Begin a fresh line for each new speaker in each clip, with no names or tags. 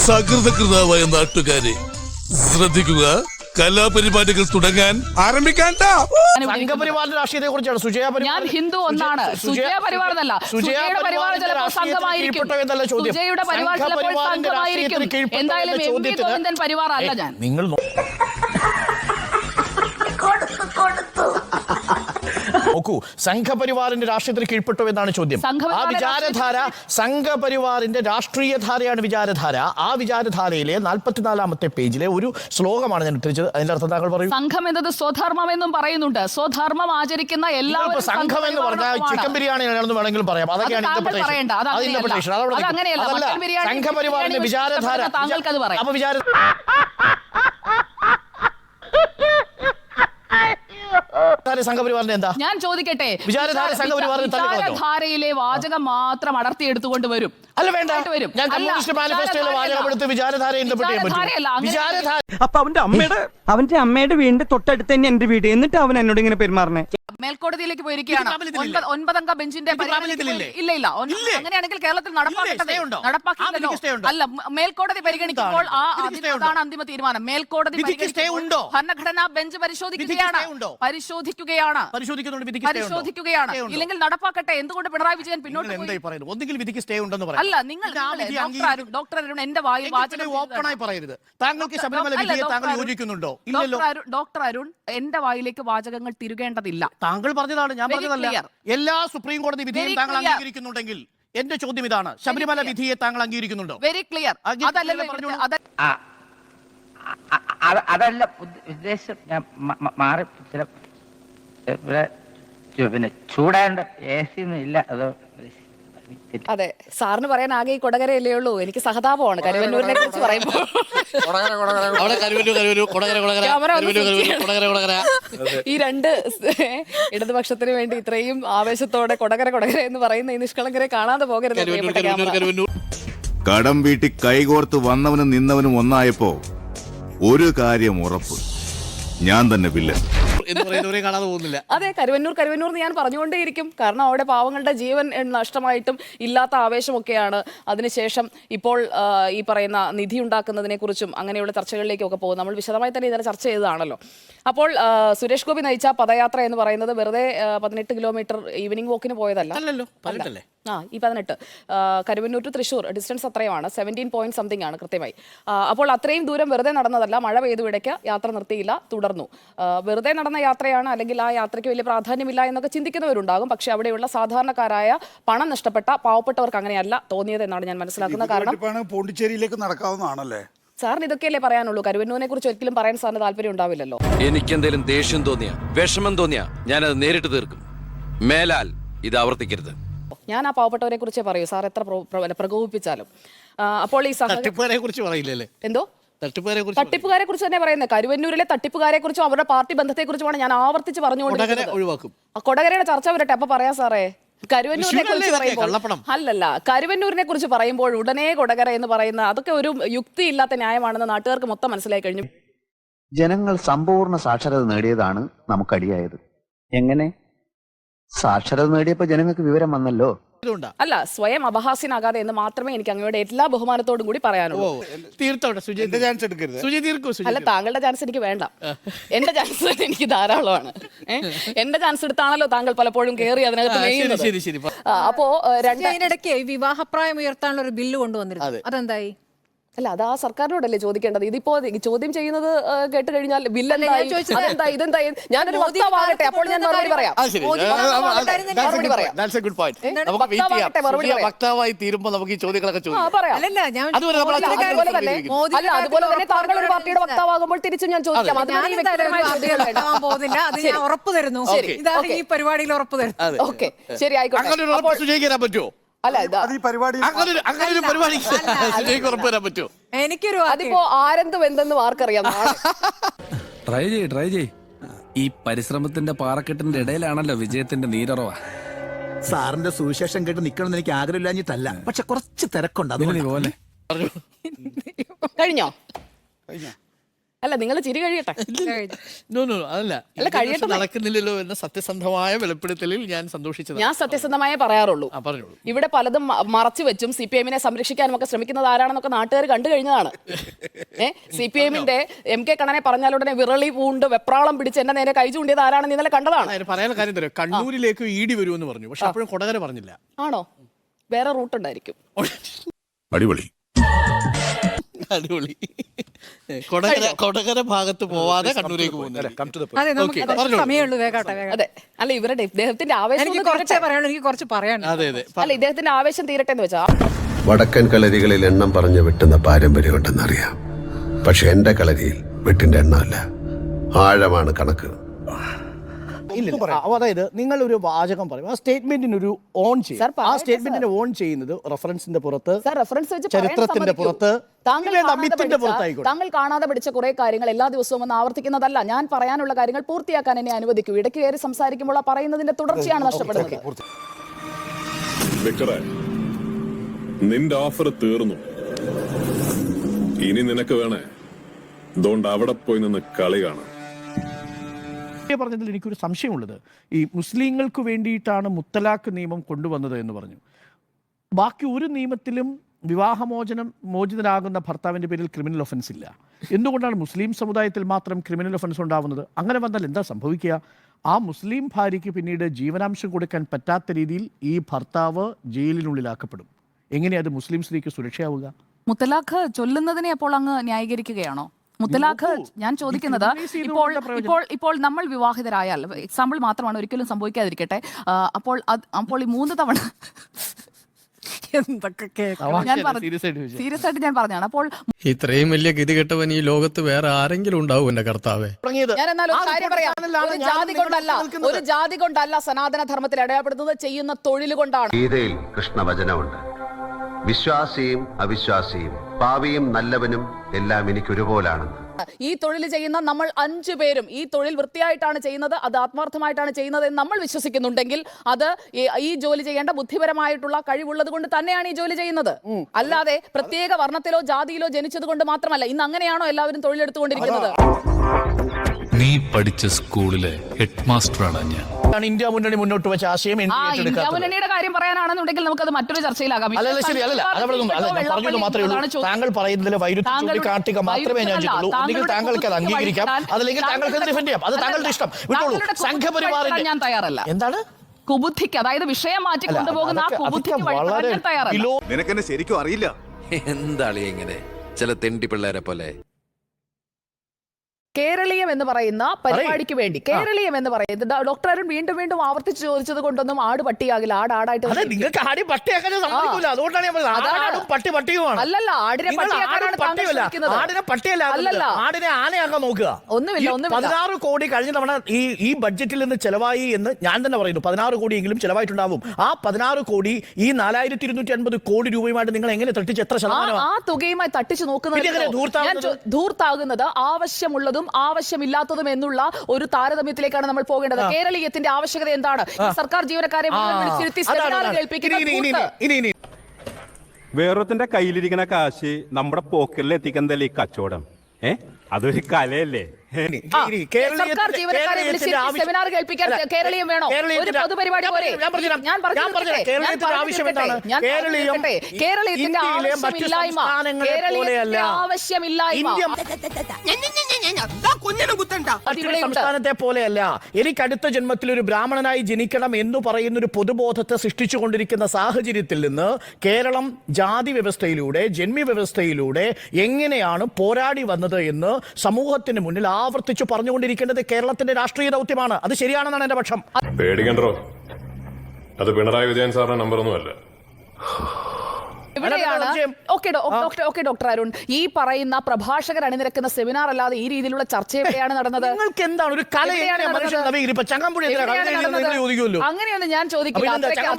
സകൃതകൃതാവായ നാട്ടുകാരെ ശ്രദ്ധിക്കുക, കലാപരിപാടികൾ തുടങ്ങാൻ ആരംഭിക്കാൻ.
സംഘപരിവാറിന്റെ രാഷ്ട്രീയത്തെ കുറിച്ചാണ്
ഞാൻ ഹിന്ദു ഒന്നാണ്. സുജയ പരിവാർ എന്നല്ല. സുജയുടെ പരിവാർ ചിലപ്പോൾ സംഘമായിരിക്കും. സുജയുടെ പരിവാർ ചിലപ്പോൾ സംഘമായിരിക്കും. എന്തായാലും എം വി ഗോവിന്ദൻ പരിവാർ അല്ല ഞാൻ.
നിങ്ങൾ നോക്കൂ, സംഘപരിവാറിന്റെ രാഷ്ട്രീയത്തിന് കീഴ്പ്പെട്ടു എന്നാണ് ചോദ്യം. ആ വിചാരധാര സംഘപരിവാറിന്റെ രാഷ്ട്രീയധാരയാണ് വിചാരധാര. ആ വിചാരധാരയിലെ 44-ാമത്തെ പേജിലെ ഒരു ശ്ലോകമാണ് ഞാൻ ഉദ്ധരിച്ചത്. അതിന്റെ അർത്ഥം താങ്കൾ പറയും.
സംഘം എന്നത് സ്വധർമ്മം എന്നും പറയുന്നുണ്ട്. സ്വധർമ്മം ആചരിക്കുന്ന എല്ലാവരും
സംഘം എന്ന് പറഞ്ഞാൽ ചിക്കൻ ബിരിയാണി ആണെന്ന് വേണമെങ്കിലും പറയാം. അതൊക്കെയാണ് ഇന്റർപ്രിട്ടേഷൻ. സംഘപരിവാറിന്റെ വിചാരധാര. അപ്പൊ സംഘപരിവാറിന്റെ എന്താ
ഞാൻ ചോദിക്കട്ടെ?
വിചാരധാരയിലെ
വാചകം മാത്രം അടർത്തിയെടുത്തുകൊണ്ട് വരും.
അല്ല, വേണ്ട. ഞാൻ കമ്മ്യൂണിസ്റ്റ് മാനിഫെസ്റ്റോയിലെ വാചകം എടുത്ത് വിചാരധാര ഇന്റർപ്രറ്റ് ചെയ്യാൻ പറ്റും.
അപ്പൊ അവന്റെ അമ്മയുടെ വീടിന്റെ തൊട്ടടുത്ത് തന്നെ എന്റെ വീട്. എന്നിട്ട് അവൻ എന്നോട് ഇങ്ങനെ പെരുമാറണേ.
മേൽക്കോടതിയിലേക്ക് പോയിരിക്കുകയാണ്. 9-അംഗ ബെഞ്ചിന്റെ ഇല്ല. അങ്ങനെയാണെങ്കിൽ കേരളത്തിൽ നടപ്പാക്കിയില്ലല്ലോ. അല്ല, മേൽക്കോടതി പരിഗണിക്കുമ്പോൾ അതാണ് അന്തിമ തീരുമാനം. മേൽക്കോടതി ഭരണഘടനാ ബെഞ്ച് പരിശോധിക്കുകയാണ്. ഇല്ലെങ്കിൽ നടപ്പാക്കട്ടെ. എന്തുകൊണ്ട് പിണറായി വിജയൻ പിന്നോട്ട്
ഒന്നുകിൽ വിധിക്ക് സ്റ്റേ ഉണ്ടെന്ന് പറയാം.
അല്ല, നിങ്ങൾ ഡോക്ടർ അരുൺ എന്റെ വായിൽ
ഓപ്പണായി പറയരുത്. താങ്കൾക്ക് ശബരിമല വിധിയെ താങ്കൾ യോജിക്കുന്നുണ്ടോ? ഇല്ലല്ലോ.
ഡോക്ടർ അരുൺ എന്റെ വായിലേക്ക് വാചകങ്ങൾ തിരുകേണ്ടതില്ല.
താങ്കൾ പറഞ്ഞതാണ്, ഞാൻ പറഞ്ഞതല്ല. എല്ലാ സുപ്രീം കോടതി വിധിയും താങ്കൾ അംഗീകരിക്കുന്നുണ്ടെങ്കിൽ എന്റെ ചോദ്യം ഇതാണ്: ശബരിമല വിധിയെ താങ്കൾ അംഗീകരിക്കുന്നുണ്ടോ?
Very clear.
അതല്ല ഉദ്ദേശം. ഞാൻ മാറി പിന്നെ ചൂടാണ്ട് AC ഒന്നും ഇല്ല. അതോ
അതെ, സാറിന് പറയാൻ ആകെ ഈ കൊടകരയല്ലേ ഉള്ളൂ. എനിക്ക് സഹതാപമാണ് കരുവന്നൂരിനെ കുറിച്ച് പറയുമ്പോൾ. ഈ രണ്ട് ഇടതുപക്ഷത്തിന് വേണ്ടി ഇത്രയും ആവേശത്തോടെ കൊടകര എന്ന് പറയുന്ന ഈ നിഷ്കളങ്കരെ കാണാതെ പോകരുത്.
കടം വീട്ടി കൈകോർത്ത് വന്നവനും നിന്നവനും ഒന്നായപ്പോ ഒരു കാര്യം ഉറപ്പ്: ഞാൻ തന്നെ വില്ലൻ.
അതെ, കരുവന്നൂർ ഞാൻ പറഞ്ഞുകൊണ്ടേയിരിക്കും. കാരണം അവിടെ പാവങ്ങളുടെ ജീവൻ നഷ്ടമായിട്ടും ഇല്ലാത്ത ആവേശമൊക്കെയാണ്. അതിനുശേഷം ഇപ്പോൾ ഈ പറയുന്ന നിധി ഉണ്ടാക്കുന്നതിനെ കുറിച്ചും അങ്ങനെയുള്ള ചർച്ചകളിലേക്കും ഒക്കെ പോകും. നമ്മൾ വിശദമായി തന്നെ ഇന്നലെ ചർച്ച ചെയ്തതാണല്ലോ. അപ്പോൾ സുരേഷ് ഗോപി നയിച്ച പദയാത്ര എന്ന് പറയുന്നത് വെറുതെ 18 കിലോമീറ്റർ ഈവനിങ് വോക്കിന് പോയതല്ല. ഈ 18 കരുവന്നൂർ ടു തൃശ്ശൂർ ഡിസ്റ്റൻസ് അത്രയുമാണ്. 17 പോയിന്റ് സംതിങ് ആണ് കൃത്യമായി. അപ്പോൾ അത്രയും ദൂരം വെറുതെ നടന്നതല്ല. മഴ പെയ്തു ഇടയ്ക്ക് യാത്ര നിർത്തിയില്ല, തുടർന്നു. വെറുതെ നടന്ന യാത്രയാണ്, അല്ലെങ്കിൽ ആ യാത്രയ്ക്ക് വലിയ പ്രാധാന്യമില്ല എന്നൊക്കെ ചിന്തിക്കുന്നവരുണ്ടാകും. പക്ഷെ അവിടെയുള്ള സാധാരണക്കാരായ പണം നഷ്ടപ്പെട്ട പാവപ്പെട്ടവർക്ക് അങ്ങനെയല്ല തോന്നിയത് എന്നാണ് ഞാൻ മനസ്സിലാക്കുന്നത്. കാരണം
പോണ്ടിച്ചേരിയിലേക്ക് നടക്കാവുന്നതാണല്ലേ
സാറിന് ഇതൊക്കെയല്ലേ പറയാനുള്ളൂ? കരുവന്നൂരിനെ കുറിച്ച് ഒരിക്കലും പറയാൻ സാറിന് താല്പര്യം ഉണ്ടാവില്ലല്ലോ.
എനിക്ക് എന്തെങ്കിലും ദേഷ്യം തോന്നിയ, വിഷമം തോന്നിയ ഞാനത് നേരിട്ട് തീർക്കും. മേലാൽ ഇത് ആവർത്തിക്കരുത്.
ഞാൻ ആ പാവപ്പെട്ടവരെ കുറിച്ചേ പറയൂ, സാർ എത്ര പ്രകോപിപ്പിച്ചാലും. അപ്പോൾ ഈ എന്തോ തട്ടിപ്പുകാരെ കുറിച്ച് തന്നെ പറയുന്നത്. കരുവന്നൂരിലെ തട്ടിപ്പുകാരെ കുറിച്ചും അവരുടെ പാർട്ടി ബന്ധത്തെ കുറിച്ചുമാണ് ഞാൻ ആവർത്തിച്ച് പറഞ്ഞുകൊണ്ടിരിക്കുന്നത്. കൊടകരയുടെ ചർച്ച വരട്ടെ, അപ്പൊ പറയാം സാറേ. കരുവന്നൂരിനെ കുറിച്ച് പറയുമ്പോൾ കരുവന്നൂരിനെ കുറിച്ച് പറയുമ്പോൾ ഉടനെ കൊടകര എന്ന് പറയുന്ന അതൊക്കെ ഒരു യുക്തിയില്ലാത്ത ന്യായമാണെന്ന് നാട്ടുകാർക്ക് മൊത്തം മനസ്സിലായി കഴിഞ്ഞു.
ജനങ്ങൾ സമ്പൂർണ്ണ സാക്ഷരത നേടിയതാണ് നമുക്കടിയായത്. എങ്ങനെ? സാക്ഷരത നേടിയപ്പോ ജനങ്ങൾക്ക് വിവരം വന്നല്ലോ.
അല്ല, സ്വയം അപഹാസ്യനാകാതെ എന്ന് മാത്രമേ എനിക്ക് അങ്ങയുടെ എല്ലാ ബഹുമാനത്തോടും കൂടി പറയാനുള്ളൂ. അല്ല, താങ്കളുടെ ചാൻസ് എനിക്ക് വേണ്ട. എന്റെ ചാൻസ് എനിക്ക് ധാരാളമാണ്. എന്റെ ചാൻസ് എടുത്താണല്ലോ താങ്കൾ പലപ്പോഴും കയറി അതിനകത്ത്. അപ്പോ
രണ്ടിടയ്ക്ക് വിവാഹപ്രായം ഉയർത്താനുള്ള ഒരു ബില്ല് കൊണ്ടുവന്നിരുന്നു. അതെന്തായി?
അല്ല, അത് ആ സർക്കാരിനോടല്ലേ ചോദിക്കേണ്ടത്. ഇതിപ്പോ ചോദ്യം ചെയ്യുന്നത് കേട്ട് കഴിഞ്ഞാൽ ഇതെന്തായി ഞാനൊരു വക്താവാകട്ടെ, അപ്പോൾ ഞാൻ മറുപടി പറയാം.
വക്താവായി തീരുമ്പോൾ നമുക്ക് ഈ ചോദ്യങ്ങളൊക്കെ
അതുപോലെ തന്നെ താങ്കൾ ഒരു പാർട്ടിയുടെ വക്താവാകുമ്പോൾ തിരിച്ചും ഞാൻ ചോദിക്കാം.
ഉറപ്പ് തരുന്നു, ഈ പരിപാടിയിൽ ഉറപ്പ് തരുന്നു.
ഓക്കെ, ശരി, ആയിക്കോട്ടെ.
പറ്റുമോ?
എനിക്കൊരു
അതിപ്പോ ആരെന്തും എന്തെന്നും ആർക്കറിയാം.
ട്രൈ ചെയ്. ഈ പരിശ്രമത്തിന്റെ പാറക്കെട്ടിന്റെ ഇടയിലാണല്ലോ വിജയത്തിന്റെ നീരറവ.
സാറിന്റെ സുവിശേഷം കേട്ട് നിക്കണമെന്ന് എനിക്ക് ആഗ്രഹമില്ലാഞ്ഞിട്ടല്ല, പക്ഷെ കുറച്ച് തിരക്കുണ്ട്.
കഴിഞ്ഞോ? അല്ല നിങ്ങൾ ചിരി കഴിയട്ടെ.
അതല്ല
അല്ല, കഴിയട്ടെ.
നടക്കുന്നില്ലല്ലോ എന്ന സത്യസന്ധമായ വെളിപ്പെടുത്തലിൽ ഞാൻ സന്തോഷിച്ചത്.
ഞാൻ സത്യസന്ധമായേ പറയാറുള്ളൂ.
പറഞ്ഞോളൂ.
ഇവിടെ പലതും മറച്ചു വെച്ചും CPM-നെ സംരക്ഷിക്കാനും ഒക്കെ ശ്രമിക്കുന്നത് ആരാണെന്നൊക്കെ നാട്ടുകാർ കണ്ടു കഴിഞ്ഞതാണ്. CPM-ന്റെ MK കണ്ണനെ പറഞ്ഞാലുടനെ വിറളി പൂണ്ട് വെപ്രാളം പിടിച്ച് എന്നെ നേരെ കൈ ചൂണ്ടിയത് ആരാണെന്ന് ഇന്നലെ കണ്ടതാണ്.
പറയാനുള്ള കാര്യം തരാം. കണ്ണൂരിലേക്ക് ED വരുമെന്ന് പറഞ്ഞു, പക്ഷെ അപ്പോഴും കൊടകര പറഞ്ഞില്ല.
ആണോ? വേറെ റൂട്ട് ഉണ്ടായിരിക്കും.
അടിപൊളി.
അടിപൊളി. കൊടകര ഭാഗത്ത് പോവാതെ കണ്ണൂരേക്ക് പോകുന്നത്.
അതെ, നമുക്ക് സമയമുള്ളൂ. വേഗാട്ടെ.
അതെ, അല്ല ഇവരുടെ ഇദ്ദേഹത്തിന്റെ ആവേശം
എനിക്ക് കുറച്ചേ പറയാനുള്ളൂ, എനിക്ക് കുറച്ച് പറയാനുണ്ട്.
അതെ അതെ.
അല്ല ഇദ്ദേഹത്തിന്റെ ആവേശം തീരട്ടെ എന്ന് വെച്ചാ.
വടക്കൻ കളരികളിൽ എണ്ണം പറഞ്ഞു വെട്ടുന്ന പാരമ്പര്യമുണ്ടെന്നറിയാം. പക്ഷെ എന്റെ കളരിയിൽ വെട്ടിന്റെ എണ്ണമല്ല, ആഴമാണ് കണക്ക്.
അതായത് നിങ്ങൾ ഒരു വാചകം പറയും, ആ സ്റ്റേറ്റ്മെന്റിന് ഒരു ഓൺ ചെയ്യും. ആ സ്റ്റേറ്റ്മെന്റിന് ഓൺ ചെയ്യുന്നത് റെഫറൻസിന്റെ പുറത്ത്,
റെഫറൻസ് വെച്ച്
ചരിത്രത്തിന്റെ പുറത്ത്,
താങ്കൾ കാണാതെ പഠിച്ച കുറെ കാര്യങ്ങൾ എല്ലാ ദിവസവും ഒന്ന് ആവർത്തിക്കുന്നതല്ല. ഞാൻ പറയാനുള്ള കാര്യങ്ങൾ പൂർത്തിയാക്കാൻ എന്നെ അനുവദിക്കൂ. ഇടയ്ക്ക് കയറി സംസാരിക്കുമ്പോൾ ആ പറയുന്നതിന്റെ തുടർച്ചയാണ് നഷ്ടപ്പെടുന്നത്.
നിന്റെ ഓഫർ തീർന്നു, ഇനി നിനക്ക് വേണേ അതുകൊണ്ട് അവിടെ പോയി നിന്ന് കളി കാണാം.
പറഞ്ഞതിൽ എനിക്കൊരു സംശയമുള്ളത്, ഈ മുസ്ലിങ്ങൾക്ക് വേണ്ടിയിട്ടാണ് മുത്തലാഖ് നിയമം കൊണ്ടുവന്നത് എന്ന് പറഞ്ഞു. ബാക്കി ഒരു നിയമത്തിലും മോചിതനാകുന്ന ഭർത്താവിന്റെ പേരിൽ ക്രിമിനൽ ഒഫൻസ് ഇല്ല. എന്തുകൊണ്ടാണ് മുസ്ലിം സമുദായത്തിൽ മാത്രം ക്രിമിനൽ ഒഫൻസ് ഉണ്ടാവുന്നത്? അങ്ങനെ വന്നാൽ എന്താ സംഭവിക്കുക? ആ മുസ്ലിം ഭാര്യയ്ക്ക് പിന്നീട് ജീവനാംശം കൊടുക്കാൻ പറ്റാത്ത രീതിയിൽ ഈ ഭർത്താവ് ജയിലിനുള്ളിലാക്കപ്പെടും. എങ്ങനെയാ അത് മുസ്ലിം സ്ത്രീക്ക് സുരക്ഷയാവുക?
മുത്തലാഖ് ചൊല്ലുന്നതിനെ അപ്പോൾ അങ്ങ് ന്യായീകരിക്കുകയാണോ? മുത്തലാഖ് ഞാൻ ചോദിക്കുന്നത്, ഇപ്പോൾ നമ്മൾ വിവാഹിതരായാൽ, എക്സാമ്പിൾ മാത്രമാണ്, ഒരിക്കലും സംഭവിക്കാതിരിക്കട്ടെ, അപ്പോൾ ഈ 3 തവണ സീരിയസ് ആയിട്ട് ഞാൻ പറഞ്ഞാണ്. അപ്പോൾ
ഇത്രയും വലിയ ഗതികെട്ടവൻ ഈ ലോകത്ത് വേറെ ആരെങ്കിലും ഉണ്ടാവും എന്റെ കർത്താവേ?
ഞാൻ എന്നാൽ ഒരു കാര്യം പറയാം. ഒരു ജാതി കൊണ്ടല്ല സനാതന ധർമ്മത്തിൽ അടയാളപ്പെടുന്നത്, ചെയ്യുന്ന തൊഴിൽ കൊണ്ടാണ്.
ഗീതയിൽ കൃഷ്ണവചനമുണ്ട്, വിശ്വാസിയും അവിശ്വാസിയും പാവിയും നല്ലവനും എല്ലാം എനിക്ക് ഒരുപോലാണെന്ന്.
ഈ തൊഴിൽ ചെയ്യുന്ന നമ്മൾ 5 പേരും ഈ തൊഴിൽ വൃത്തിയായിട്ടാണ് ചെയ്യുന്നത്, അത് ആത്മാർത്ഥമായിട്ടാണ് ചെയ്യുന്നത് എന്ന് നമ്മൾ വിശ്വസിക്കുന്നുണ്ടെങ്കിൽ അത് ഈ ജോലി ചെയ്യേണ്ട ബുദ്ധിപരമായിട്ടുള്ള കഴിവുള്ളത് കൊണ്ട് തന്നെയാണ് ഈ ജോലി ചെയ്യുന്നത്. അല്ലാതെ പ്രത്യേക വർണ്ണത്തിലോ ജാതിയിലോ ജനിച്ചത് കൊണ്ട് മാത്രമല്ല. ഇന്ന് അങ്ങനെയാണോ എല്ലാവരും തൊഴിലെടുത്തുകൊണ്ടിരിക്കുന്നത്?
നീ പഠിച്ച സ്കൂളിലെ ഹെഡ് മാസ്റ്ററാണ് ഞാൻ.
ഇന്ത്യ മുന്നണി മുന്നോട്ട് വെച്ച ആശയം
ഇന്ത്യ മുന്നണിയുടെ കാര്യം പറയാനാണെന്നുണ്ടെങ്കിൽ നമുക്കത് മറ്റൊരു ചർച്ചയിലാകാം.
താങ്കൾ പറയുന്നതിലെ വൈരുദ്ധ്യം ചൂണ്ടിക്കാട്ടുക മാത്രമേ ഞാൻ ചെയ്തുള്ളൂ. ഒന്നുകിൽ താങ്കൾക്ക് അത് അംഗീകരിക്കാം, അതല്ലെങ്കിൽ താങ്കൾക്ക് ഡിഫെൻഡ് ചെയ്യാം. അത് താങ്കളുടെ ഇഷ്ടം. വിട്ടോളൂ. സംഘപരിവാറിന്റെ
ഞാൻ തയ്യാറല്ല.
എന്താണ്
കുബുദ്ധിക്ക്, അതായത് വിഷയം മാറ്റി കൊണ്ടുപോകുന്ന ആ കുബുദ്ധിക്ക് വഴി ഞാൻ തയ്യാറല്ല.
നിനക്കെന്നെ ശരിക്കും അറിയില്ല.
എന്താളി എങ്ങനെ ചില തെണ്ടി പിള്ളേരെ പോലെ.
കേരളീയം എന്ന് പറയുന്ന പരിപാടിക്ക് വേണ്ടി, കേരളീയം എന്ന് പറയുന്നത് ഡോക്ടർ അരുൺ വീണ്ടും വീണ്ടും ആവർത്തിച്ച് ചോദിച്ചത് കൊണ്ടൊന്നും ആട് പട്ടിയാകില്ല. ആടായിട്ട്
നിങ്ങൾക്ക് ആടി പട്ടിയാക്കാൻ സമ്മതിക്കില്ല. അതുകൊണ്ടാണ് പട്ടി പട്ടിയുമാണ്.
അല്ലല്ല, ആടിനെ
പട്ടിയല്ല, ആടിനെ ആനയാക്കാൻ നോക്കുക.
ഒന്നുമില്ല.
16 കോടി കഴിഞ്ഞ തവണ ഈ ബഡ്ജറ്റിൽ നിന്ന് ചെലവായി എന്ന് ഞാൻ തന്നെ പറയുന്നു. 16 കോടിയെങ്കിലും ചെലവായിട്ടുണ്ടാവും. ആ 16 കോടി ഈ 4250 കോടി രൂപയുമായിട്ട് നിങ്ങൾ എങ്ങനെ തട്ടിച്ച് എത്ര ശതമാനം
ആ തുകയുമായി തട്ടിച്ചു നോക്കുന്നത്? ധൂർത്താകുന്നത് ആവശ്യമുള്ളതും ആവശ്യമില്ലാത്തതും എന്നുള്ള ഒരു താരതമ്യത്തിലേക്കാണ് നമ്മൾ പോകേണ്ടത്. കേരളീയത്തിന്റെ ആവശ്യകത എന്താണ്? സർക്കാർ ജീവനക്കാരെ
വേറൊരുത്തിന്റെ കയ്യിലിരിക്കുന്ന കാശ് നമ്മുടെ പോക്കറ്റിൽ എത്തിക്കുന്നതല്ലേ ഈ കച്ചവടം? അതൊരു കലയല്ലേ?
സർക്കാർ ജീവനക്കാരെ സെമിനാർ കേൾപ്പിക്കാൻ കേരളീയം വേണോ? ഒരു പൊതുപരിപാടി പോലെ. കേരളീയത്തിന്റെ ആവശ്യമില്ലായ്മ
സംസ്ഥാനത്തെ പോലെയല്ല. എനിക്ക് അടുത്ത ജന്മത്തിൽ ഒരു ബ്രാഹ്മണനായി ജനിക്കണം എന്ന് പറയുന്ന ഒരു പൊതുബോധത്തെ സൃഷ്ടിച്ചുകൊണ്ടിരിക്കുന്ന സാഹചര്യത്തിൽ നിന്ന് കേരളം ജാതി വ്യവസ്ഥയിലൂടെ, ജന്മി വ്യവസ്ഥയിലൂടെ എങ്ങനെയാണ് പോരാടി വന്നത് എന്ന് സമൂഹത്തിന് മുന്നിൽ ആവർത്തിച്ചു പറഞ്ഞുകൊണ്ടിരിക്കേണ്ടത് കേരളത്തിന്റെ രാഷ്ട്രീയ ദൗത്യമാണ്. അത് ശരിയാണെന്നാണ് എന്റെ പക്ഷം.
പേടിക്കണ്ടോ, അത് പിണറായി വിജയൻ സാറിന്റെ നമ്പറൊന്നുമല്ല.
ഡോക്ടർ അരുൺ, ഈ പറയുന്ന പ്രഭാഷകർ അണിനിരക്കുന്ന സെമിനാർ അല്ലാതെ ഈ രീതിയിലുള്ള ചർച്ച എവിടെയാണ് നടന്നത്?
നിങ്ങൾക്ക് എന്താണ് ഒരു കലയാണ്?
അങ്ങനെയൊന്നും ഞാൻ ചോദിക്കില്ല.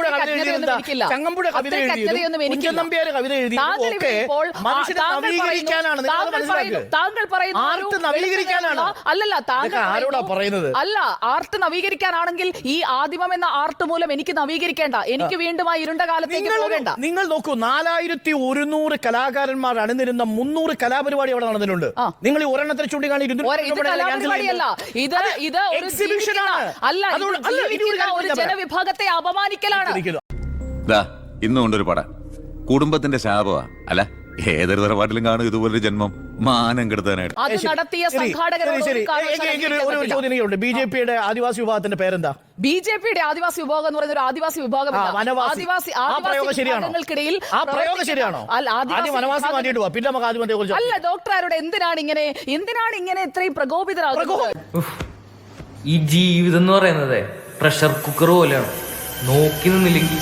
താങ്കൾ അല്ല, ആർട്ട് നവീകരിക്കാനാണെങ്കിൽ ഈ ആദിമം എന്ന ആർട്ട് മൂലം എനിക്ക് നവീകരിക്കേണ്ട. എനിക്ക് വീണ്ടും ആ ഇരുണ്ട കാലത്തേക്ക് പോകേണ്ട.
നിങ്ങൾ നോക്കൂ, 14,100 കലാകാരന്മാർ അണിനിരുന്ന 300 കലാപരിപാടി അവിടെ നടന്നിട്ടുണ്ട്. നിങ്ങൾ ഈ ഒരെണ്ണത്തിൽ ചൂണ്ടിക്കാണി
ഇത് ഒരു
എക്സിബിഷനാണ്.
ഒരു ജനവിഭാഗത്തെ അപമാനിക്കലാണ്.
ഇന്നും കൊണ്ടൊരു പട കുടുംബത്തിന്റെ ശാപമാ. അല്ല, ഏതൊരു തറവാട്ടിലും കാണും ഇതുപോലൊരു ജന്മം മാനം കെടുത്താനായിട്ട്.
അത് നടത്തിയ സംഘാടകരോട്
ചോദ്യം. ബിജെപിയുടെ ആദിവാസി വിഭാഗത്തിന്റെ പേരെന്താ?
ബിജെപിയുടെ ആദിവാസി വിഭാഗം എന്ന് പറയുന്ന ഒരു ആദിവാസി വിഭാഗമില്ല.
ശരിയാണോ? പിന്നെ നമുക്ക്
അല്ല ഡോക്ടർ, എന്തിനാണ് ഇങ്ങനെ ഇത്രയും പ്രകോപിതരാകുന്നത്?
ഈ ജീവിതം എന്ന് പറയുന്നത് പ്രഷർ കുക്കർ പോലെയാണ്. നോക്കി നിന്നില്ലെങ്കിൽ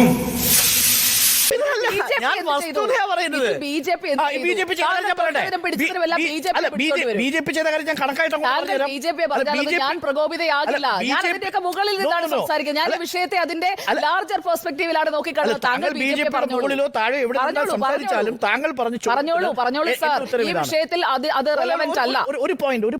ഞാൻ പ്രകോപിതയാകില്ല. ഞാൻ അതിന്റെയൊക്കെ മുകളിൽ നിന്നാണ് സംസാരിക്കുന്നത്. ഞാൻ വിഷയത്തെ അതിന്റെ ലാർജർ പെർസ്പെക്ടീവിലാണ് നോക്കിക്കാണുന്നത്. താങ്കൾ പറഞ്ഞോളൂ സാർ. ഈ വിഷയത്തിൽ അത് റെലവന്റ് അല്ല.
ഒരു പോയിന്റ്.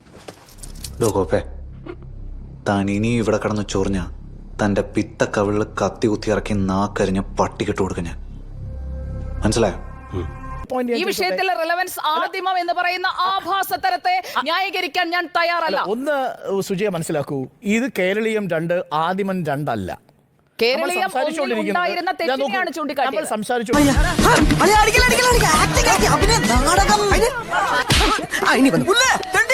താൻ ഇനി ഇവിടെ കടന്ന് ചൊറിഞ്ഞ തന്റെ പിത്ത കവിളിൽ കത്തി കുത്തി ഇറക്കി നാക്കരിഞ്ഞ പട്ടിക്കിട്ട് കൊടുക്ക ഞാൻ. മനസ്സിലായോ?
ഈ വിഷയത്തിലെ റെലവൻസ് ആദിമം എന്ന് പറയുന്ന ആഭാസതരത്തെ ന്യായീകരിക്കാൻ ഞാൻ തയ്യാറല്ല.
ഒന്ന് സുജയ മനസ്സിലാക്കൂ, ഇത് കേരളീയം 2 ആദിമൻ 2 അല്ല.
കേരളീയം ഉണ്ടായിരുന്ന തെറ്റിനെയാണ് ചൂണ്ടിക്കാട്ടിയത്.
സംസാരിച്ചു